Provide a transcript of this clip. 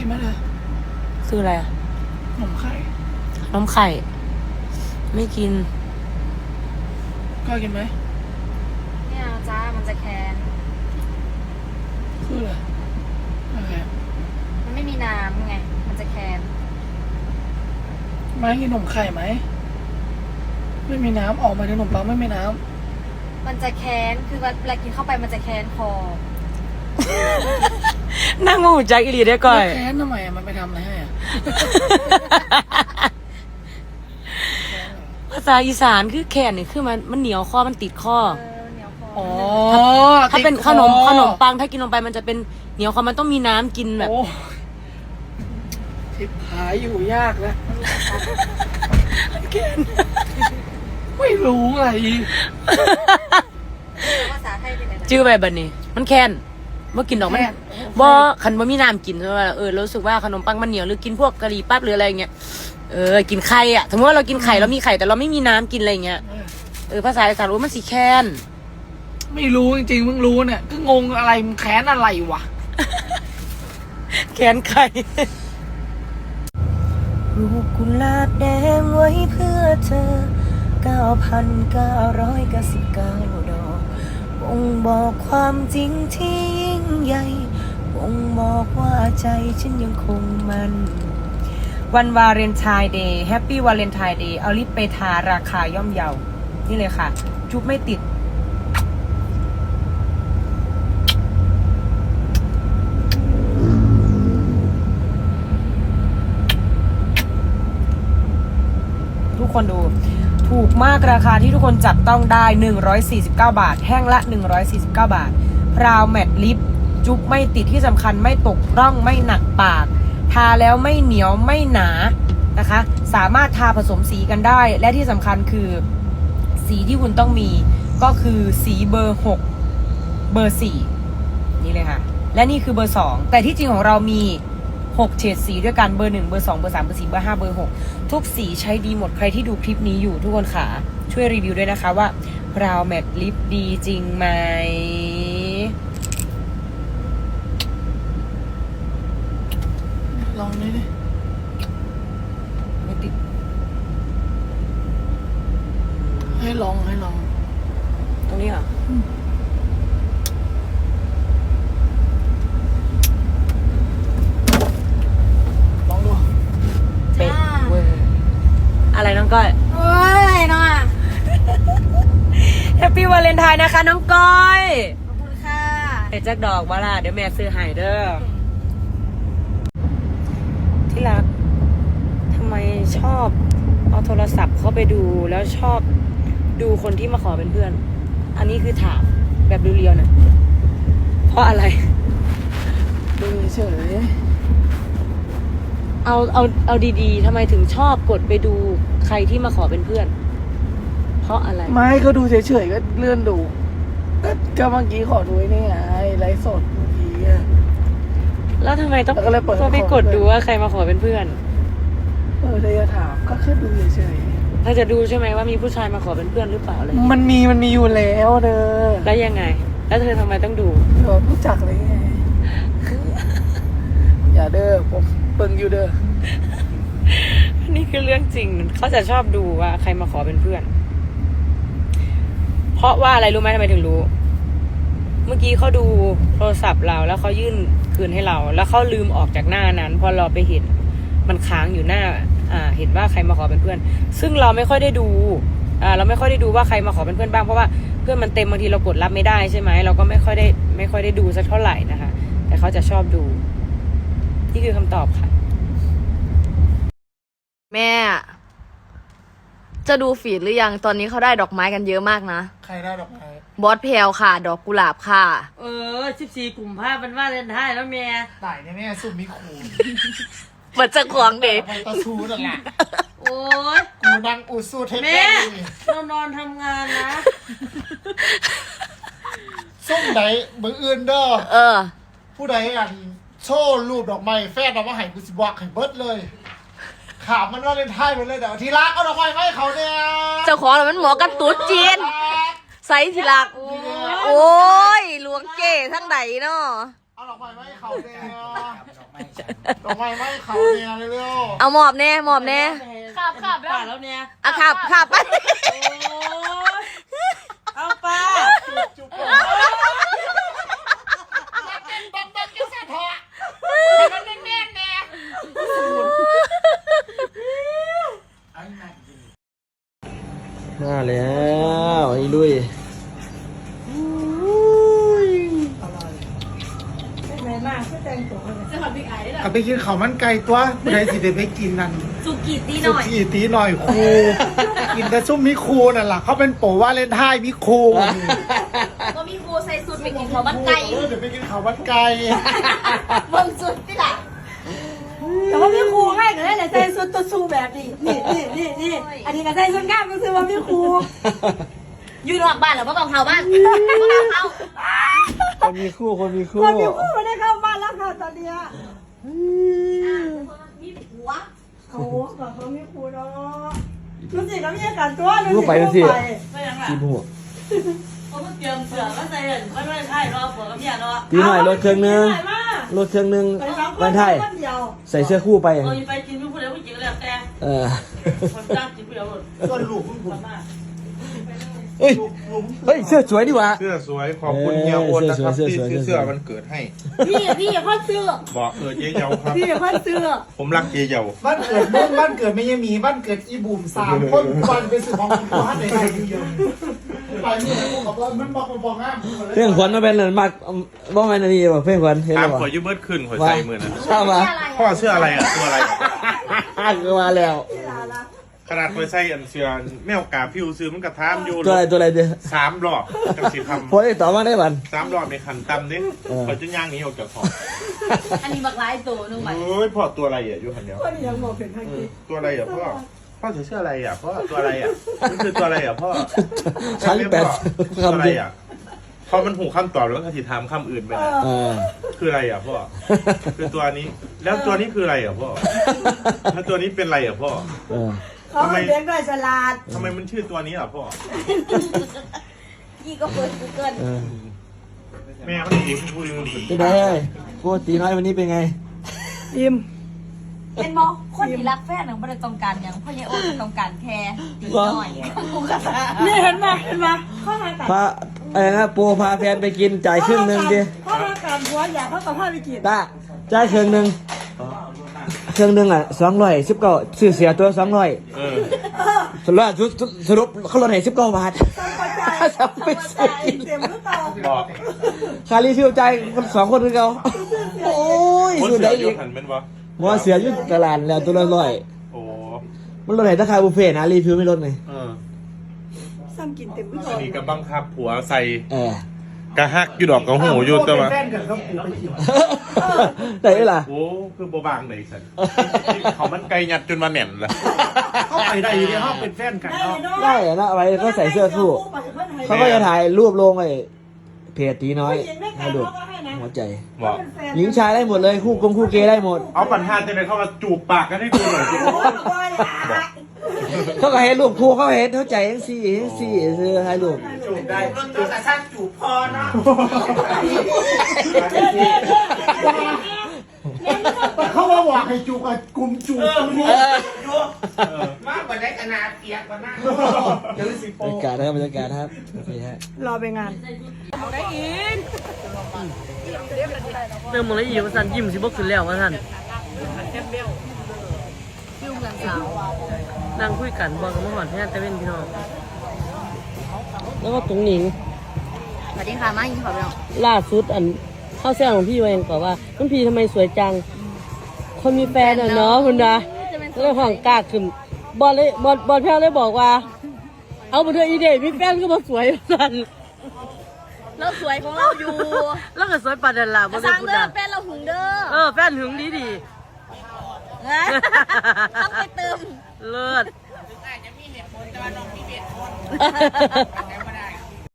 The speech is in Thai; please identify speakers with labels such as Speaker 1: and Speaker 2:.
Speaker 1: ไหมเธอ
Speaker 2: ซื้ออะไรอะ
Speaker 1: ขนมไข่
Speaker 2: ไม่กิน
Speaker 1: ก็กินไหม
Speaker 3: เนี่ยจ้ามันจะแคน
Speaker 1: คืออะไร
Speaker 3: มันไม่มีน้ำไงมันจะแคน
Speaker 1: ไม่กินขนมไข่ไหมไม่มีน้ำออกมาในขนมปังไม่มีน้
Speaker 3: ำมันจะแคนคือเวลากินเข้าไปมันจะแคนคอ
Speaker 2: นั่งมาหูจักอีหลีได้ก่อย
Speaker 1: แค้นทำไมมันไปทำอะไรให้
Speaker 2: ภาษาอีสานคือแขนนี่คือมันเหนียวคอมันติดคอ
Speaker 3: เหนียวคอ
Speaker 2: ถ้าเป็นขนมปังถ้ากินลงไปมันจะเป็นเหนียวคอมันต้องมีน้ำกินแบบ
Speaker 1: ทิพหายอยู่ยากนะแค้นไม่รู้อะไร
Speaker 3: ภาษาไทยเป็นอะไร
Speaker 2: ชื่อแบบนี้มันแคนเมื่อกินดอกมันบ่ขันบ่มีน้ำกินใช่ไหมรู้สึกว่าขนมปังมันเหนียวหรือกินพวกกะหรี่ปั๊บหรืออะไรเงี้ยกินไข่อ่ะสมมติว่าเรากินไข่เรามีไข่แต่เราไม่มีน้ำกินอะไรเงี้ยภาษาอีสานรู้มันสีแคน
Speaker 1: ไม่รู้จริงๆมึงรู้เนี่ยก็งงอะไรมึงแค้นอะไรวะ
Speaker 2: แคนไข่ลูกกุหลาบแดงไว้เพื่อเธอ 9,999 ดอกบ่งบอกความจริงที่ยิ่งใหญ่บ่งบอกว่าใจฉันยังคงมันวันวาเลนไทน์เดย์แฮปปี้วาเลนไทน์เดย์เอาลิปไปทาราคาย่อมเยานี่เลยค่ะจุ๊บไม่ติดทุกคนดูถูกมากราคาที่ทุกคนจับต้องได้149 บาทแห้งละ149 บาทพราวแมตต์ลิปจุ๊บไม่ติดที่สำคัญไม่ตกร่องไม่หนักปากทาแล้วไม่เหนียวไม่หนานะคะสามารถทาผสมสีกันได้และที่สำคัญคือสีที่คุณต้องมีก็คือสีเบอร์6เบอร์4นี่เลยค่ะและนี่คือเบอร์2แต่ที่จริงของเรามี6เฉดสีด้วยกันเบอร์1เบอร์2เบอร์3เบอร์4เบอร์5เบอร์6ทุกสีใช้ดีหมดใครที่ดูคลิปนี้อยู่ทุกคนค่ะช่วยรีวิวด้วยนะคะว่าพราวแมตต์ลิปดีจริงไหม
Speaker 1: ลองนี่ดิ
Speaker 2: ไม่ติด
Speaker 1: ให้ลอง
Speaker 2: ตรงนี้เหรอ
Speaker 1: ลองดู
Speaker 2: เป๊ะเวอร์อะไรน้องก้อย
Speaker 3: เฮ้ยน้องอ่ะ
Speaker 2: แฮปปี้วาเลนไทน์นะคะน้องก้อย
Speaker 3: ขอบคุณค่ะ
Speaker 2: เดี๋ยวจักดอกว่าล่ะเดี๋ยวแม่ซื้อให้เด้อที่รักทำไมชอบเอาโทรศัพท์เข้าไปดูแล้วชอบดูคนที่มาขอเป็นเพื่อนอันนี้คือถามแบบเรียวๆนะเพราะอะไร
Speaker 1: ดูเฉย
Speaker 2: เอาดีๆทำไมถึงชอบกดไปดูใครที่มาขอเป็นเพื่อนเพราะอะไร
Speaker 1: ไม่เขาดูเฉยๆก็เลื่อนดูก็เมื่อกี้ขอดูนี่ไงไลฟ์สดเมื่อกี้
Speaker 2: แล้วทำไมต้องไปกดดูว่าใครมาขอเป็นเพื่อน
Speaker 1: เธอจะถามก็แค่ดูเฉย
Speaker 2: ๆถ้าจะดูใช่ไหมว่ามีผู้ชายมาขอเป็นเพื่อนหรือเปล่าเลย
Speaker 1: มันมีอยู่แล้วเด้อ
Speaker 2: แล้วยังไงแล้วเธอทำไมต้องดู
Speaker 1: รู้จักเลยไงอย่าเด้อผมเบิ่งอยู่เด้อ
Speaker 2: นี่คือเรื่องจริงเขาจะชอบดูว่าใครมาขอเป็นเพื่อนเพราะว่าอะไรรู้ไหมทำไมถึงรู้เมื่อกี้เขาดูโทรศัพท์เราแล้วเขายื่นคืนให้เราแล้วเขาลืมออกจากหน้านั้นพอเราไปเห็นมันค้างอยู่หน้าเห็นว่าใครมาขอเป็นเพื่อนซึ่งเราไม่ค่อยได้ดูเราไม่ค่อยได้ดูว่าใครมาขอเป็นเพื่อนบ้างเพราะว่าเพื่อนมันเต็มบางทีเรากดรับไม่ได้ใช่ไหมเราก็ไม่ค่อยได้ดูสักเท่าไหร่นะคะแต่เขาจะชอบดูนี่คือคำตอบค่ะ
Speaker 4: แม่จะดูฟีดหรือยังตอนนี้เขาได้ดอกไม้กันเยอะมากนะ
Speaker 1: ใครได้ดอกไม้
Speaker 4: บอสเพลค่ะดอกกุหลาบค่ะ
Speaker 2: 14 กุมภาพันธ์วาเลนไทน์แล้วแม่
Speaker 1: ตายแน่ๆสุ่มมีขู่
Speaker 4: เปิดจะขวางเด็ก
Speaker 1: ตะชูนั่นแหละ
Speaker 2: โอ้ย
Speaker 1: กูนั่งอุสูเทป
Speaker 2: แม่เรานอนทำงานนะ
Speaker 1: ส้มไหนมืออื่นเด้อผู้ใดโชว์รูปดอกไม้แฟนดอกไม้ให้กูสิบอกให้เบิดเลยข่าวมันว่าเล่นไทยไปเลยเดี๋ยวทีรักเอาดอกไม้ให้เขาเนี่ย
Speaker 4: เจ้าของมันหมอกันตุ๊ดจีนไซส์ทีรักโอ้ยหลวงเก๋ทั้งไหนเนาะ
Speaker 1: เอาดอกไม้ให้เขาเนี่ยดอกไม้ไม่เขาเนี่ยเร็ว
Speaker 4: เอาหมอบแน่หมอบแน่
Speaker 3: ขับ
Speaker 2: แล้วเนี่ย
Speaker 4: อ่ะขับไป
Speaker 2: เอาป้า
Speaker 1: จุ๊บ
Speaker 5: มาแล้วไอ้ลุย
Speaker 1: เอาไปกินข้าวมันไก่ตัวผู้ใดสิได้ไปกินนั่น
Speaker 3: สุกี้ตีห
Speaker 1: สุ
Speaker 3: น่อย
Speaker 1: กี้ตีหน่อยครูกินแต่ซุ่มมิครูนั่นแหละเขาเป็นโปรว่าเล่นท่ายมิครู
Speaker 3: ก็มีครูใส่สูตรไปกินข้าวมันไก่
Speaker 1: เดี๋ยวไปกินข้าวมันไก่
Speaker 3: เบิ่งสุดที่ละ
Speaker 2: แต่ว่าพี่ครูให้ก็ได้แต่ใส่ชุดตัวซูแบบนี้นี่อันนี้ก็ใส่ชุดกล้ามก็คือว่าพี่ครู
Speaker 3: อยู่นอกบ้านเหรอพ่อต้องเข้าบ้านพ่อต้องเข้า
Speaker 5: คนมีคู่คนมีคู่
Speaker 2: คนมีคู่ไม่ได้เข้าบ้านแล้วค่ะตอนเนี้ย
Speaker 3: มีหัว
Speaker 2: เขาแบบเขามีคู่เนาะรู้สิเขามีอาการตัวรู้
Speaker 5: คู่
Speaker 2: สิ
Speaker 5: ไปนั่นสิ
Speaker 2: เขาไป
Speaker 5: ทีมหัว
Speaker 2: เขาเตรียมเสือก็ใส่เห็นไม่ใช่รอผัวกับเมียเนาะ
Speaker 5: ตีหน่อยรถเครื่องนึงรถเครื่องนึง
Speaker 2: ไปสองค
Speaker 5: วัน
Speaker 2: น
Speaker 5: ไทย
Speaker 2: คนเดียว
Speaker 5: ใส่เสื้อคู่ไป
Speaker 2: ไปกินผู้เดียวผู้หญิงแล้วแต่
Speaker 5: เออ
Speaker 2: คนจ้างกินผู้เดียวหมด
Speaker 1: ส่วนลูกคุณผม
Speaker 5: เฮ้ยเฮ้ยเสื้อสวยดีว่ะ
Speaker 6: เสื้อสวยขอบคุณเฮียโอนนะครับ
Speaker 5: เสื้อ
Speaker 6: ที่
Speaker 5: สวย
Speaker 6: ซื้อ
Speaker 5: เสื้อสวย
Speaker 6: เสื้อมันเกิดให้
Speaker 2: พี่พ่อเสื้อ
Speaker 6: บอกเจ๊เยาครับ
Speaker 2: พี่พ่อเสื้อ
Speaker 6: ผมรักเจ๊เยา
Speaker 1: บ้านเกิดมึงบ้านเกิดไม่ยังมีบ้านเกิดอีบุ่ม3 คนวันไปซื้อของคุณบ้านไหนเดียวไปมึงให้กูกับว่ามันบอกง่าย
Speaker 5: เพื่อนขวัญมาเป็นอะไรมากบ้องแมนนี่ป่ะเพื่อนขวัญเห็นห
Speaker 6: ตา
Speaker 5: รือเปล่า
Speaker 6: มขอยืมเบิดขึ้นหัวใจมือนะ
Speaker 5: เข้ามา
Speaker 6: พ่อเสื้ออะไรอ่ะตัวอะไร
Speaker 5: ก็มาแล้ว
Speaker 6: ขนาดเคยใส่อันเสื้อแมวกาพิวซื้อมันกระทามอยู่
Speaker 5: ตัวอะไรเดี๋ยว
Speaker 6: 3 รอบจังสิท
Speaker 5: พอได้ต่อมาได้บัน
Speaker 6: ำ3 รอบในขันตำนี่พอจะย่างหนี้ออกจากห้อง
Speaker 3: อันนี้บักร้ายตัวนึงไป
Speaker 6: เฮ้ยพ่อตัวอะไรอ่ะอยู่คันเดียว
Speaker 2: คนยังบอกเป็นทางนี้
Speaker 6: ตัวอะไรอ่ะพ่อใส่เสื้ออะไรอ่ะพ่อตัวอะไรอ่ะนี่คือตัวอะไรอ่ะพ่อ
Speaker 5: ชั้น
Speaker 6: ตัว
Speaker 5: 8
Speaker 6: อะไร
Speaker 5: คำเดียว
Speaker 6: อ่ะพอมันหูคำตอบแล้วก็สิถามคำอื่นไปนะ
Speaker 5: เออ
Speaker 6: คืออะไรอ่ะพ่อ คือตัวนี้ แล้วตัวนี้คืออะไรอ่ะพ่อ แล้วตัวนี้เป็นอะไรอ่ะพ่อ
Speaker 5: เออ
Speaker 2: เขาเลี้ยงด้วยฉลาด
Speaker 6: ทำไมมันชื่อตัวนี้อ่ะพ่อ
Speaker 3: พี่ก็เปิด Google
Speaker 5: เออ
Speaker 6: แม่เขาดีพูดดีมันสุด
Speaker 5: เป็นไงกูตีน้อยวันนี้เป็นไง
Speaker 2: อิ่ม
Speaker 3: เป็นมอคนที่รักแฟนหนึ่งไม่ได้ต้องการอย่างพ่อเยโอต้องการแค่ตีหน่อยกูกระซา
Speaker 2: นี่เห็นไหมข้อหากัน
Speaker 5: พาอะไรนะโปรพาแฟนไปกินจ่ายครึ่งหนึ่งดิ
Speaker 2: ข้อหากันหัวอยากเขากับผ้าไปกิน
Speaker 5: ตาจ่ายครึ่งหนึ่งเครื่องหนึ่งอ่ะ219ซื้อเสียตัว200
Speaker 6: เออ
Speaker 5: สรุปเขาลดให้19 บาท
Speaker 2: จำไปใส่เต็มหรือเปล่า
Speaker 6: บอก
Speaker 5: ค่ารีฟิลจ่ายคน2 คนคือเขาโอ้ย
Speaker 6: คน
Speaker 5: สุด
Speaker 6: เสื
Speaker 5: ได้
Speaker 6: อ
Speaker 5: อี
Speaker 6: ยุ
Speaker 5: ก
Speaker 6: หันเป็นวะ
Speaker 5: หมอเสียอยู่ตลาดแล้วตัวละ100
Speaker 6: โอ้
Speaker 5: มันลดให้ราคาบุฟเฟ่ต์นะรีฟิลไม่ลดไง
Speaker 6: เออ
Speaker 2: ซ้ำกินเต็มหรือเป
Speaker 6: อั
Speaker 2: ล่าน
Speaker 6: นี้ก็บังคับผัวใส่
Speaker 5: เออก
Speaker 6: ระหักอยู่ดอกกระหูอยู่แต่ว่า
Speaker 1: แฟนกันก็กูไปกิน
Speaker 5: ได้ไหมล่ะ
Speaker 6: โอ้คือโบบางไหนสันเขามันไกลยัดจนมาแหน่นละ
Speaker 1: เข้าไปได้อยู่ในห้องเป็นแฟนกัน
Speaker 2: ได้
Speaker 1: เนาะ
Speaker 2: เนาะ
Speaker 5: ได้อะนะเอาไว้เขาใส่เสื้อคู่เขาก็จะถ่ายรูปลงไอ้เพจตีน้อยให้ดูหัวใจ
Speaker 6: บอก
Speaker 5: หญิงชายได้หมดเลยคู่คู่เกย์ได้หมด
Speaker 6: เอาปัญหาจะเลยเข้ามาจูบปากกันให้ดูหน่อยสิ
Speaker 5: เขาก็เห็นรูปคู่เขาเห็นเข้าใจยังสี่ซื้อให้รูป
Speaker 1: จูบได้จูบแต่ช่างจูบพอเนาะเขาว่าหวังให้จูบกับกลุ่มจูบกันหมดมากกว่าได้ขนาดเปียกกว่านั้นเดี๋ยวสิ
Speaker 5: บ
Speaker 1: โป
Speaker 5: รรยากาศนะครับบรรยากาศครับโอเคฮะ
Speaker 2: รอไปงาน
Speaker 7: เติมหมดเลยอีกว่าสันยิ้มสิบกขึ้นแล้วว่าสัน
Speaker 3: ฟิวเมืองสาว
Speaker 7: นั่งคุยกันบอกกับมาหอนแท้แต่เป็นพี่น้องแล้วก็ตรงนี้
Speaker 3: สวัสดีค่ะมายินขอไปหน่อย
Speaker 7: ล่าสุดอันเข้าแซวของพี่ไว้ยังบอกว่าน้องพี่ทำไมสวยจัง คนมีแฟนอ่ะเนาะคุณนะแล้วก็ห้องกล้าขึ้นบอลแพ้วเลยบอกว่า เอาไปเถอะอีเดย์มีแฟนก็มาสวยสัน
Speaker 3: เราสวยของเราอยู่
Speaker 7: แล้วก็สวยปานนันล่ะบ่
Speaker 3: ส
Speaker 7: ได้
Speaker 3: ร้าง
Speaker 7: พูด
Speaker 3: เด้อ
Speaker 7: นะ
Speaker 3: แฟนเราหึงเด้อ
Speaker 7: แฟนหึงดี
Speaker 3: นะต้องไปเติม
Speaker 7: เลิศ